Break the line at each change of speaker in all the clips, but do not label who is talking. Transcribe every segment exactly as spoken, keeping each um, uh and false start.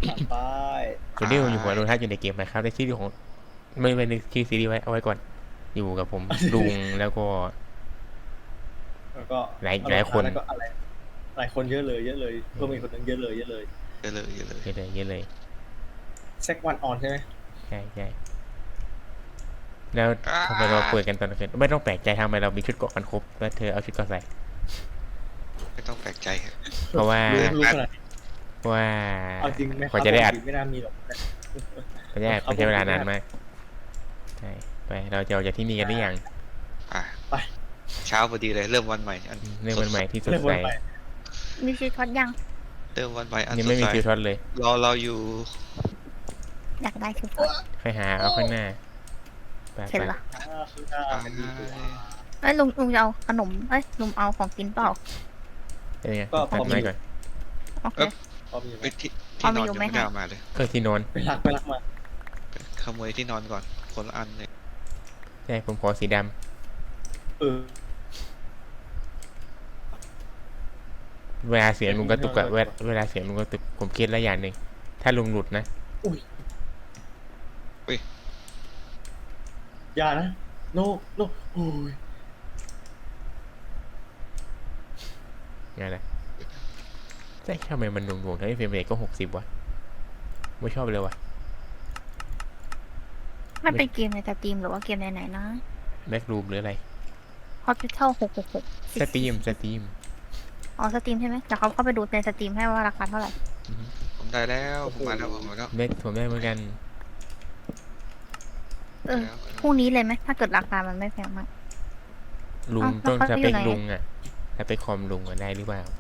ผ่านไป
ส่วนที่ผมอยู่หัวโลทัศน์อยู่ในเกมนะครับในชื่อของไม่ไม่ในชื่อซีรีส์ไว้เอาไว้ก่อนอยู่กับผมลุงแล้วก็
แล้วก็
หลายหลายคน
แล้วก็อะไรหลายคนเยอะเลยเยอะเลยเพิ่มอีกคนนึงเยอะเลยเยอะเลย
เยอะเลยเยอะเลย
เยอะเลยเยอะเลย
เซ็กวันออนใช่ไหม
ใช่ใช่แล้ว
อ่
ทำไมเรา
า
เปิดกันตอนกลางคืนไม่ต้องแปลกใจทำไมเรามีชุดเกราะกันครบแล้วเธอเอาชุดเกราะใส่
ไม่ต้องแปลกใจครับ
เพราะว่า
รู้รู้ขนาดนี้
เพราะว่า
เอาจริงไหมค
กว่า
รับ
จะได้อัด
ปกติไม่น่ามีหรอก
กว่าจะได้อัดมันใช้เวลานานมากใช่ไปเราจะออกจากที่นี่กันหรือยัง
อ่ะ
ไป
เช้าพอดีเลยเริ่มวันใหม่อัน
อืมเรื่องมันใหม่ที่สด
เริ่ม
ใส
วันใหม่
มีชีทอดยัง
เริ่มวันใหม่อัน
ยัง
ส
ไม่
ด
มี
ใส
ฟิวทอดเลย
รอเราอยู่
อยากได้ชีทอด
ค่อยหาเอาข้างหน้าไป
เห็น
ไป
เหรอ
อ่าข้างหน้ามันดีกว่า
เอ้ยลุงลุงจะเอาขนมเอ้ยลุงเอาของกินเปล่า
เป็นไง
ก็พ
ตั
อ
ด
มี
ไม้ก่อน
โอเค
พอมีไหม
เอ้ยที่
เอา
ที่น
มา
อน
อยู่
ยัง
ไหม
ไม่ได้
คะ
เอามาเลย
เออที่นอน
ไปรักไปรักมา
ขโมยที่นอนก่อนคนละอันเลย
ใช่ผมขอสีดำ
เออ
เวลาเสียงลุงกระตุกอะเวลาเวลาเสียงลุงกระตุกผมคิดแล้วอย่างหนึ่งถ้าลุงหลุดนะ
อุ้ยอย่านะโนโนโอ้ย
ไงล่ะใช่ทำไมมันหน่วงๆทั้งที่เฟรมเรทก็หกสิบวะไม่ชอบเลยวะ
มันเป็นเกมในสตรีมหรือว่าเกมไหนๆนะ
แบ็กรูมหรืออะไร
Hospital หกหกหก
สตรีมสตรีม
อ๋อสตรีมใช่ไหมเดี๋ยวเขาเข้าไปดูในสตรีมให้ว่าราคาเท่าไหร่
ผมได้แล้วผมมาแล้วผมมาแล้ว
เบ็กผมได้เหมือนกัน
เออพรุ่งนี้เลยไหมถ้าเกิดราคามันไม่แพงมาก
ลุง
เอ้า
ต้อง
แล้ว
ส
เขา
เป
อยู่
ค
ไหน
ลุงอะสเปคคอมลุงอะได้หรือเปล่า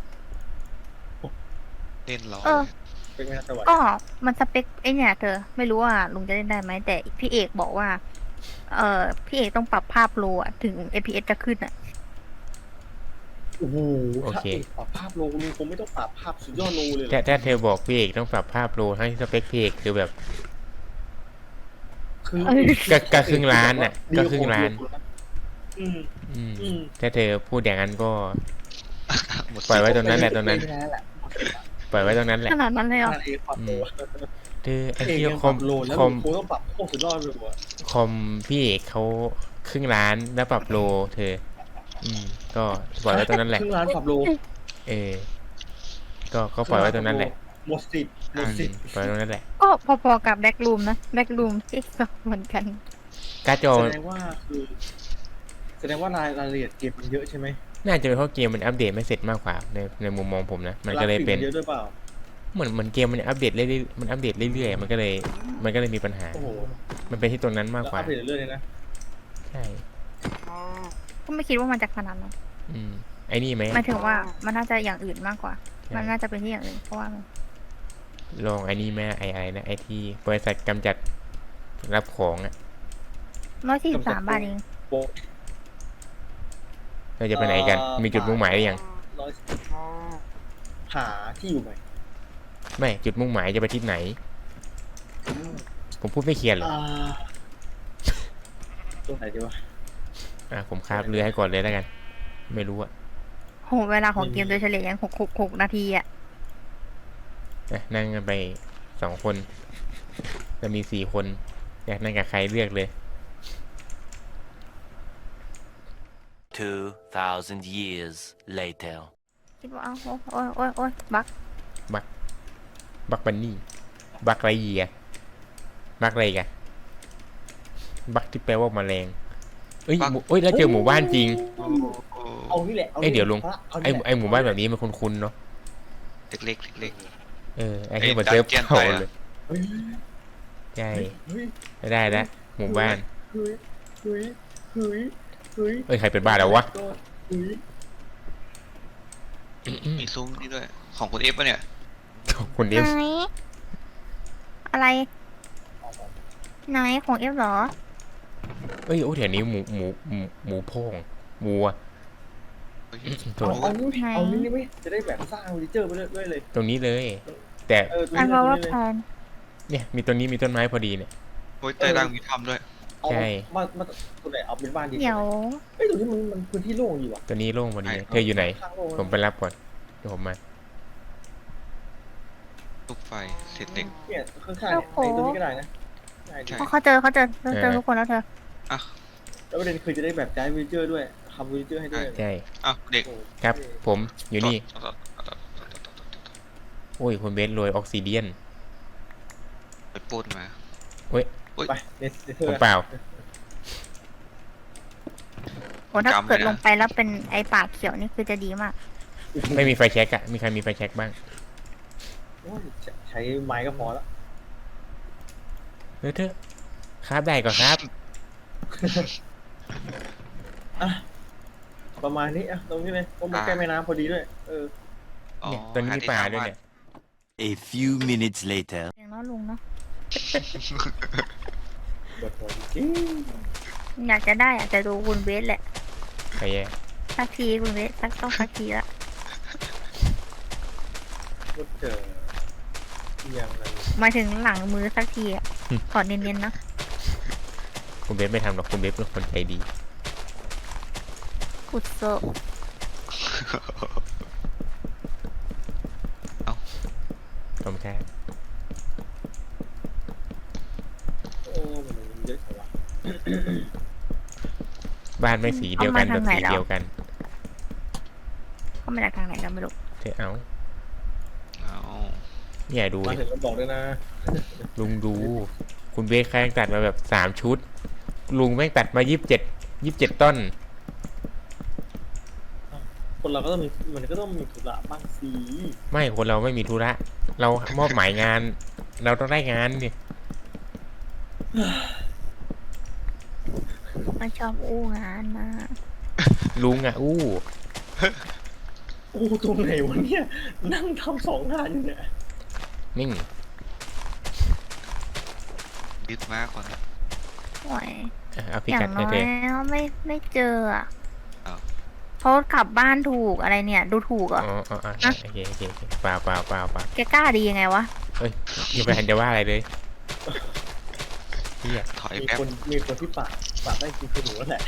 เล่นรอ
เออ
เป็นไงสวัสดี
ก็มันสเปคไอเนี่ยเธอไม่รู้ว่าลุงจะเล่นได้ไหมแต่พี่เอกบอกว่า เออพี่เอกต้องปรับภาพโลอะถึง เอ พี เอส จะขึ้นอะ
โอ้โห
โอเค
ถ้าเอกปรับภาพโลลุงคงไม่ต้องปรับภาพสุดยอดโลเลยเหร
แต่
อ
ถ้าเธอบอกพี่เอกต้องปรับภาพโลให้สเปคพี่เอกคือแบบ
คือ
ก็ก็ครึ่งล้านน่ะก็ครึ่งล้าน
อืม
อืม
อืม
ถ้าเธอพูดอย่างนั้นก็
หมด
ปล่อย
สิท
ไว้
ธิ์
ตรงนั้นแหละตรงนั้น
ไม่ได้แหละ
ปล่อยไว้ตรงนั้นแหละ
ขนาดนั้นเลยเหรอ
ถ้าเอกปรับโล
เธอไอ้
เอก
ที่
ยัง
ค
ป
อ
รั
ม
บโลแล้ว
คอม
ลุงคงต้องปรับโคตรสุดยอดเลยว่ะ
คอมพี่เอกเขาครึ่งล้านแล้วปรับโล เธอ อืม ก็ปล่อยไว้ตรงนั้นแหละ
ครึ่งล้านปรับโล
เออ ก็ก็ปล่อยไว้ตรงนั้นแหละ
หมดสิทธิ์หมด
อื
สิท
ม
ธิ์
ปล่อยไว้ตรงนั้นแหละ
ก็พอๆกับแบ็กรูมนะแบ็กรูมที่ก็เหมือนกัน
การ์ดจอ
แสดงว่าคือ แสดงว่ารายรายละเอียดเกมมันเยอะใช่ไหม
น่าจะเป็นเพราะเกมมันอัปเดตไม่เสร็จมากกว่าในในมุมมองผมนะ มันก็เลยเป็น
ราฟิกมัเยอะด้วยเปล่า
เหมือนเหมือนเกมมันอัปเดตเรื่อยๆมันอัปเดตเรื่อยๆมันก็เลย มันก็เลยมีปัญหา
โอ้โห
มันเป็นที่ตรงนั้นมาก
แล้ว
กว่า
อัปเดตเรื่อยๆเลยนะ
ใช่
ก็ไม่คิดว่ามันจะขนาดนั้น
อืม ไอ้นี่ไหม
หมายถึงว่ามันน่าจะอย่างอื่นมากกว่า
ใช่
มันน่าจะเป็นที่อย่างอื่นเพราะว่ามัน
ลองไอ้นี่แม่ไอ้อะไรนะไอ้ที่บริษัทกำจัดรับของอ่ะ
ร้อยสี่สิบสามบาทเอง
โป๊ะ
เราจะไปไหนกัน มีจุดมุ่งหมายหรือยัง
ร้อยหาที่อยู่ใหม่
ไม่ จุดมุ่งหมายจะไปที่ไหน ผมพูดไม่เคลียร์หรอ
อ่าตรงไหนดีวะ
อ่ะผมคาบเรือให้ก่อนเลยแล้วกัน ไม่รู้อ่ะ
โหเวลาของเกมโดยเฉลี่ยยังหกหกหกนาทีอะ
อ่ะนั่งกันไปสองคนจะมีสี่คน อยากนั่งกับใครเลือกเลย
Two thousand years later.
คิดว่าเอาโอ้ยโอ้ยโอ้ยบัก
บักบันนี่ บักไรเยียบักอะไรกันบักที่แปลว่าแมลงเอ้ยหมู่เอ้ยแล้วเจอหมู่บ้านจริง
โอ้โห
เอานี่แหละ
เอ้ยเดี๋ยวลุง
เอา
ไอ้
นี่แหละ
ไอ้หมู่บ้านแบบนี้มันคุ้นๆเนาะ
เล็กๆเล็ก
เออไอ้ที่
ไอ้
มันเซิร์ฟ
ดันเจี้ยน
เก่า
ไปอะ
เลย
เฮ้ย
ใช่
เฮ้ย
ได้แล้วหมู่บ้าน
เฮ้ยเฮ้ยเฮ้ยเฮ้ย
เอ้ยใครเป็นบ้านแล้ววะ
ก็เฮ้ย
ๆมีซุ้มนี่ด้วยของคุณเอฟปะเนี่ย
คนนี้
ไหนอะไรไหนของเอฟเหรอ
เอ้ยโอ้แถวนี้หมูหมูหมูหมูโพงหมูอะ โถ่
เอาเอานี่
ไหน
เอานี่ไม่จะได้แบบสร้างเฟอร์นิเจอร์ไปเรื่อยๆเลย
ตรงนี้เลย แต่
เออตรง
อัน
นี้
ว่าว่า
เลย
แพน
เนี่ยมีต้นนี้มีต้นไม้พอดีเนี่ย
โอ้ยใต้ล่างมีถ้ำด้วย
เอา
ใช่
มามาตรงไหนเอาเป็นบ้านดี
เดี๋ยว
เฮ้ยตรงนี้มันมันพื้นที่โล่งดีว่ะ
ตัวนี้โล่งพอดี
ใช่
เธออยู่ไหน
ข้างโล่ง
ผมไปรับก่อนเดี๋ยวผมมา
ตลูกไฟเศษเหล็ก
เนี่ยข้างๆเนี่ยในตัวนี้ก็ได้นะได้ดิ
ใช่
เพราะเขาเจอเขาเจอเขาเจอทุกคนแล้วเธอ
อ่ะ
แล้วประเด็นคือจะได้แบบย้ายวิลเจอร์ด้วยทำวิลเจอร์ให้ด้วย
ใช่
อ่ะเด็ก
โอ้
ครับ ผมอยู่นี่
ต่อต่อต่อต่อต่อต่อต่อต่อ
โอ้ยคุณเบสโรยออกซิเดียน
ไปปล้นมา
ไปเนสเธ
ผ
อ
มเปล่า
โอ้ถ้าเกิดลงไปแล้วเป็นไอ้ปากเขียวนี่คือจะดีมาก
ไม่มีไฟแช็กอะมีใครมีไฟแช็กบ้าง
โอ้ยใช้ไม้ก็พอแล้ว
เออเถอะครับได้ก็ครับ
อ่ะประมาณนี้อ่ะตรงนี้เลยเพราะมันใกล้แม่น้ำพอดีด้วยเออ
อ๋อ
เนี่ยตอนนี้มีป่าด้วยเนี่ย
A few minutes later.
อย่างน้อยลุงเนาะ
ปวดหัวจริง
อยากจะได้อยากจะดูคุณเวสแหละ
ใครแย่
สักทีคุณเวสสักต้องสักทีละ
ๆก็เจออย่างนั้น
หมายถึงหลังมือสักทีอ่ะขอเนียนๆนะ
คุณเบสไม่ทำหรอกคุณเบสเป็นคนใจดี
อุดโซ
ผมแค่
โอ้มันเยอะจังวะ
บ้านไม่สีเดียวกันแบบสีเดียวกัน
เขามาจากทางไหนกันไม่รู้
เธอเอา
เอา
เนี่ยดู
มา
ดิ
ถึงก็บอกด้วยนะ
ลุงดู คุณเบสแค่ตัดมาแบบสามชุด ลุงแม่งตัดมายี่สิบเจ็ดยี่สิบเจ็ดต้น
คนเราก็ต้องมีมันก็ต้องมีธุระบ้างสิ
ไม่คนเราไม่มีธุระ เรามอบหมายงาน เราต้องได้งานดิ
ไม่ชอบอู้งานนะ
ลุงอ่ะอู้
โอ้ตรงไหนวะเนี่ยนั่งทำสองงานอยู่เนี่ย
นิ่ง
ยึดมากก่อน
โอ้ย
อ่ะเอาพิ
อย่า
กัด
ง
ให้
น้อ
เธ
ย
อ
ไม่ไม่เจออ่ะ
อ้าว
เขากลับบ้านถูกอะไรเนี่ย ดูถูกเหร
อ๋
อ่ะ
ออ๋ออ๋อโอเคโอเคโอเคเปล่าเปล่าเปล่าเปล่า
แกกล้าดียังไงวะ
เอ้ยยังไม่ทันจะว่าอะไรเลยเฮีย
ถอย
มี
แป๊บ
คนมีคนที่ปากปากได้จริงคือหนูนั่นแหละ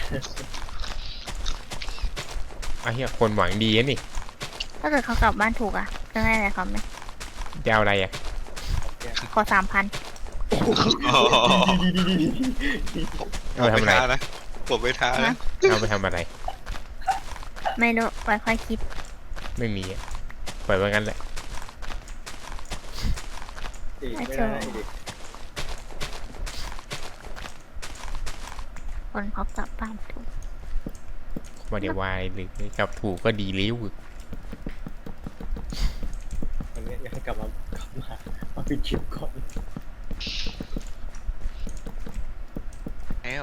เอาเฮียคนหวังดีนะนี่
ถ้าเกิดเขากลับบ้านถูกอ่ะจะได้อะไรเขาไหม
จะเอาอะไรอ่ะ
ขอสามพัน
ดีดีดีดีดี
เอาไปทำอะไร
นะผมไปท้านะ
เอาไปทำอะไร
ไม่รู้ไว้ค่อยคิด
ไม่มีอ่ะปล่อยไว้งั้นแหละ
ไม่ได้นะไอ้เด็ก
คนเขากลับบ้านถูก
มาเดี๋ยววายหรือกับถูกก็ดีริ้ว
อันนี้อยากให้กลับมากลับมามาปิดคลิปก่อน
แล้ว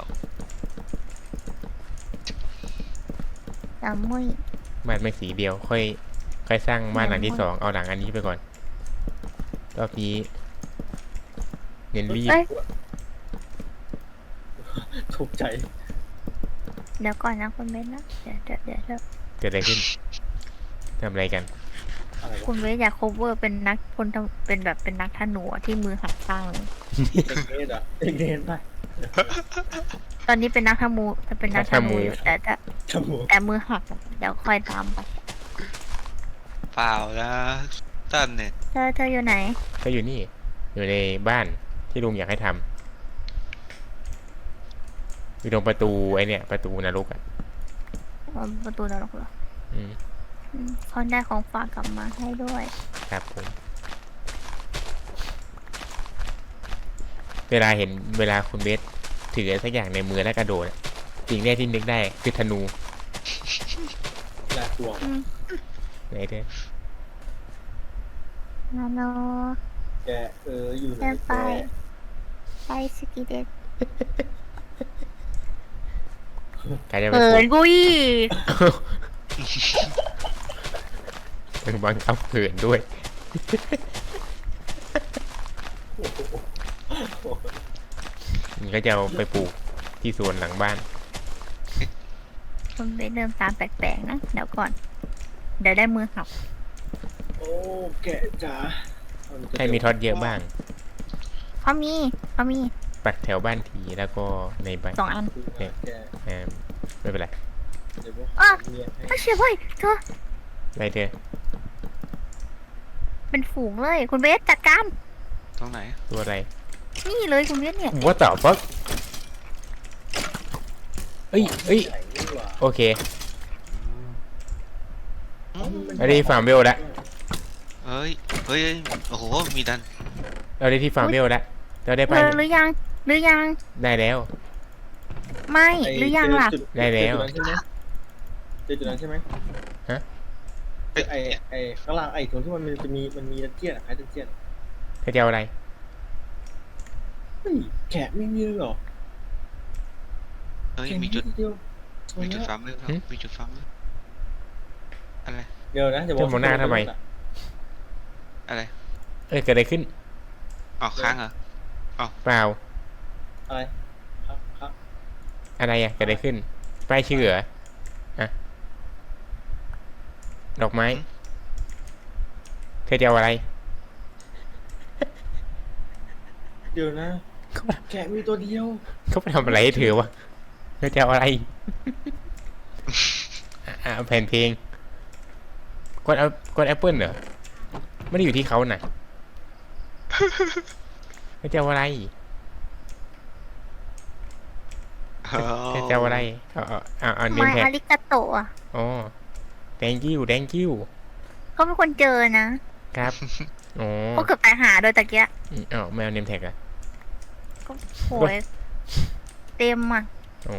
จำมุ้ย
บ้านไม่สีเดียว ค่อยค่อยสร้างบ้านหลังที่สองเอาหลังอันนี้ไปก่อนรอบนี้เน้นรีบ
เอ้ย
ถูกใจ
เดี๋ยวก่อนนะคุณเบสนะเดี๋ยวเดี๋ยวเดี๋ยวเดี๋ยว
เกิดอะไรขึ้นทำอะไรกัน
อะไร
คุ
วะ
ณเบสอยาก cover เป็นนักพลทหเป็นแบบเป็นนักธนูอะที่มือหักข้างเลย
เด็กเนสอ่ะเด็กเนสไป
ตอนนี้เป็นนักธนูจะเป็นนักธนูอยู่แต่แต่
จมูก
แต่มือหักอะเดี๋ยวค่อยตามไป
เปล่านะตั้นเนี่ย
เธอเธออยู่ไหน
ก็อยู่นี่ อยู่ในบ้านที่ลุงอยากให้ทำอยู่ตรงประตูไอเนี่ยประตูนรกอ่ะ
อ๋อประตูนรกเหรอ
อืม
อืมเขาได้ของฝากกลับมาให้ด้วย
ครับผม เวลาเห็นเวลาคุณเบสถืออะไรสักอย่างในมือแล้วกระโดดอะสิ่งแรกที่นึกได้คือธนู
น่ากลัว
อืม
ไหนเธอ
นาโน
แกเอออยู่ไหน
เดิน
แก
ไปไปสกีเด็ด
ใครจะไป
เขิ
พู
น
ด
กุย
เป็นบังคับเขินด้วย มันก็จะเอาไปปลูกที่สวนหลังบ้าน
คุณเบสเดินตามแปลกๆนะเดี๋ยวก่อน เดี๋ยวได้มือหัก
โอ้แกจ๋า
ใครมีท็อตเยอะบ้าง
เขามีเขามี
ปักแถวบ้านทีแล้วก็ในบ้าน
สองอัน
แก
เอ่อไม่เป็นไร
เดี๋ยวพวก
อ่ะ
เมียให้
ไม่เชื่อเว้ยเธอ
ไรเธอ
เป็นฝูงเลย คุณเบสจัดการ
ตรงไหน
ตัวอะไร
นี่เลยคุณเบสเนี่ย
What the fuck เอ้ยเอ้ย
ใหญ่นี่หว่า
โอเค
อืม
อันนี้ฟาร์มเวลแล้ว
เฮ้ยเฮ้ยโอ้โหมีดัน
เราได้ที่ฟาร์มเวลแล้วเราได้ไป
เออหรือยัง หรือยัง
ได้แล้ว
ไม่
ไ
หรือยังล่ะ
เจอจุ
ได้แล้ว
เจอจุดนั้นใช่ไหม
ฮะ
เจอจุดนั้นใช่ไหมไอไอข้างล่างไอตรงที่มันจะมีมันมีดันเจียนอะคล้ายดันเจียนอะ
เธอจะเอาอะไร
เฮ้ยแกะไม่มีเลยเหรอ
เฮ้ย
แกะ
มีจุด
เดียว
มีจุดฟาร์มด้วยครับ
หึ
มีจุดฟาร์มด้วยอะไร
เดี๋ยวนะจะบอ
จะ
ก
มองหน้าทำไม
อะไร
เอ้ยเกิดอะไรขึ้น
อ๋อค้างเหรอ
เปล่า
อะไรครับครับ
อะไรอ่ะเกิดอะไรขึ้นป้ายชื่อเหรออะดอกไม้ เธอจะเอาอะไร
เดี๋ยวนะ แกะมีตัวเดียว
เขาไปทำอะไรให้เธอวะเธอจะเอาอะไร อ่ะอ่ะเอาแผ่นเพลงกดเอากดแอปเปิลเหรอ ไม่ได้อยู่ที่เขาน่ะ เธอจะเอาอะไรเธอเธอจะเอาอะไร เอาเอาเอาเอาเนม
ไม่
แท็ก
อาริกาโตะอะ
อ๋อ thank you thank you
เขาเป็นคนเจอนะ
ครับ อ๋อ
เขาเกือบตายหาโดยตะเกียะ
อืมอ้าวไม่เอาเนมแท็กอ่ะ
ก็โหยเต็มอ่ะ
อ๋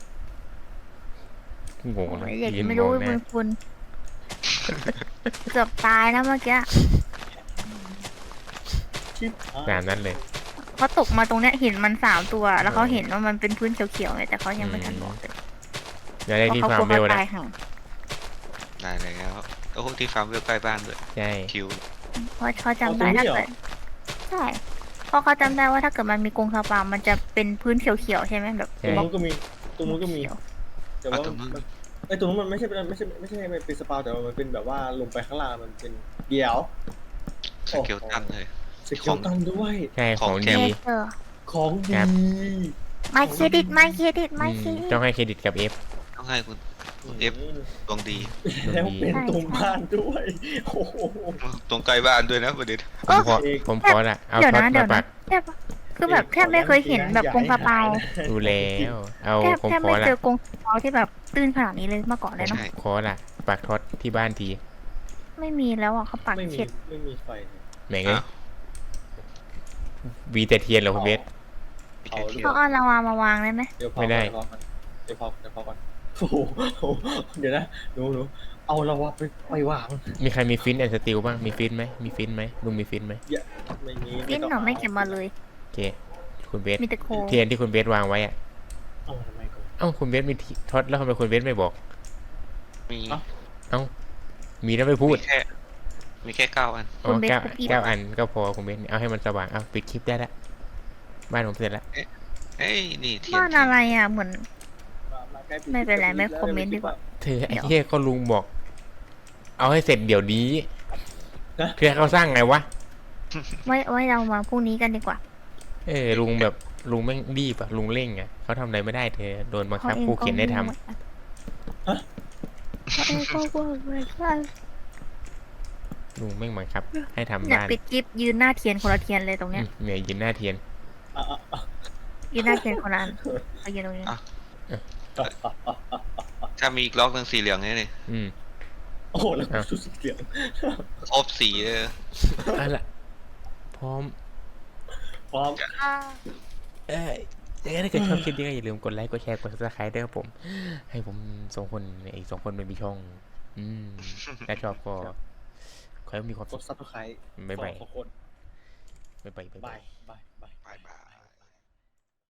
องง
โอ้
นะ
ยเด็ก
ยืน
ไม่
ม
รู้
องห
มึ
น้า
งคุณ เกือบตายนะเมื่อกี้
ชิปหาย
ตามนั้นเลย
เขาตกมาตรงเนี้ยเห็นมันสามตัว แล้วเขาเห็นว่ามันเป็นพื้นเขียวๆไงแต่เขายังไม่ทันบอกเลย
เดี๋ยวได้
เพราะ
ที่
เขา
ฟาก ร์
ลั
ม
ว
เบล
เขา
แล้ว
ตายห่าง
ได้แล้วโอ้โหที่ฟาร์มเวลใกล้บ้านด้วย
ใช่
คิว
เพราะเขาจำได้ถ้าเกิดใช่เพราะเขาจำได้ว่าถ้าเกิดมันมีกรงสปามันจะเป็นพื้นเขียวๆใช่ไหมแบบ
ตรงนู้นก็มีตรงนู้นก็มี
เขียว
แต่ว่ามันไอตรงนู้นมันไม่ใช่เป็นไม่ใช่ไม่ใช่ไม่เป็นสปาแต่ว่ามันเป็นแบบว่าลงไปข้างล่างมันเป็นเดี่ยว
สเกลตันเลย
สเกลตันด้วย
ใช่ของ
ของแถ
ดี
ม
เออ
ของดี
ครับ
ไม่เครดิตไม่เครดิตไม่
อื
เคร
ม
ดิต
ต้องให้เครดิตกับเอฟ
ต้องให้คุณคุณเอฟดวงดี
แล้วเป็นตรงบ้านด้วยโอ้โห
ตรงใกล้บ้านด้วยนะประเด็น
ผมขอ
เอก
ผมขอละเอา
เดี๋ยว
ท็อต
นะเดี๋
มา
ยว
ปั
นะ
ก
แทบคือแบบแทบไม่เคยเห็นแบบกรงสปา
ดูแล้วเอา
แทบ
ผม
แทบ
ขอ
ไม่
ละ
เจอกรงสปาที่แบบตื้นขนาดนี้เลยเมื่อก่อนเลยเนาะ
ใช่
ขอละปักท็อตที่บ้านที
ไม่มีแล้วอ่ะเขาปัก
ไม่มี
เข็ด
ไม่มีไฟ
แหม่งเอ้ยวีแต่เทียนเหรอคุณเบส
มีแค่คิว
เขาเอาลาวามาวางได้ไหม
เดี๋ยวพอ
ไม่ได้
เดี๋ยวพอเดี๋ยวพอก่อนโอ้โหเดี๋ยวนะหนูหนูเอาเราวะไปไปวาง
มีใครมีฟินแอนด์สติลบ้างมีฟินไหมมีฟินไหมลุงมีฟินไหม
ไม่มี
ฟินหนูไม่เก็บมาเลย
โอเคคุณเบส
มีแต่โค
เทียนที่คุณเบสวางไว้อะ
เอาทำไมก่อน
เอ้าคุณเบสมีที่ท็อตแล้วทำไมคุณเบสไม่บอก
มี
เอ้ามีแล้วไม่พูด
มีแค่มีแค่เก้าอัน
อ๋อเก้าเก้าอันก็พอคุณเบสเอาให้มันสว่างเอาปิดคลิปได้ละบ้านผมเสร็จแล้ว
เอ้ยนี่เทียน
บ้านอะไรอ่ะเหมือน
มาใกล้ปิด
ไม่เป็นไร
ปิ
ไม่
แล้ว
คอมเมนต์ดีกว่า
เธอไอ้
เดี๋ยว
เหี้ยก็ลุงบอก เอาให้เสร็จเดี๋ยวนี้
นะ
เพื่อเขาสร้างไงวะ
ไว้ไว้เรามาพรุ่งนี้กันดีกว่า
เออลุงแบบลุงแม่งรีบอะลุงเร่งอะเขาทำอะไรไม่ได้เธอโดนบังคับ
ขาอง
ผู้เขียนได้ทำ
ก็เขาเองก็ว่าเหมือนกัน
ลุงแม่งบังคับ ให้ทำ
เนี่ย
บ้าน
ปิดกิฟยืนหน้าเทียนคนละเทียนเลยตรงเนี้
อื
ย
มเนี่ยยืนหน้าเทียน
อ่ะอ่ะอ่ะ
ยืนหน้าเทียนคนละอันเอายืนตรงนี้
อ่ะอ่ะอ่ะอ่ะ
ถ้ามีอีกล็อกหนึ่งสีเหลืองนี่เลย
อืม
โอ้โหแล้วกูสุดเสียง
ครบสีเลย
เอาละพร้อม
พร้อม
เอ้ยยังไงถ้าเกิดชอบคลิปนี้ก็อย่าลืมกดไลค์กดแชร์กดซับสไครต์ด้วยครับผม ให้ผมสองคนอีกสองคนไม่มีช่อง อืมถ้าชอบก็ขอให้มีความ
ก
สุ
ด
ข
ซับสไครต์
บ๊ายบาย
สองคน
บ๊ายบายบ๊ายบา
บาย ยบายบาย
บายบาย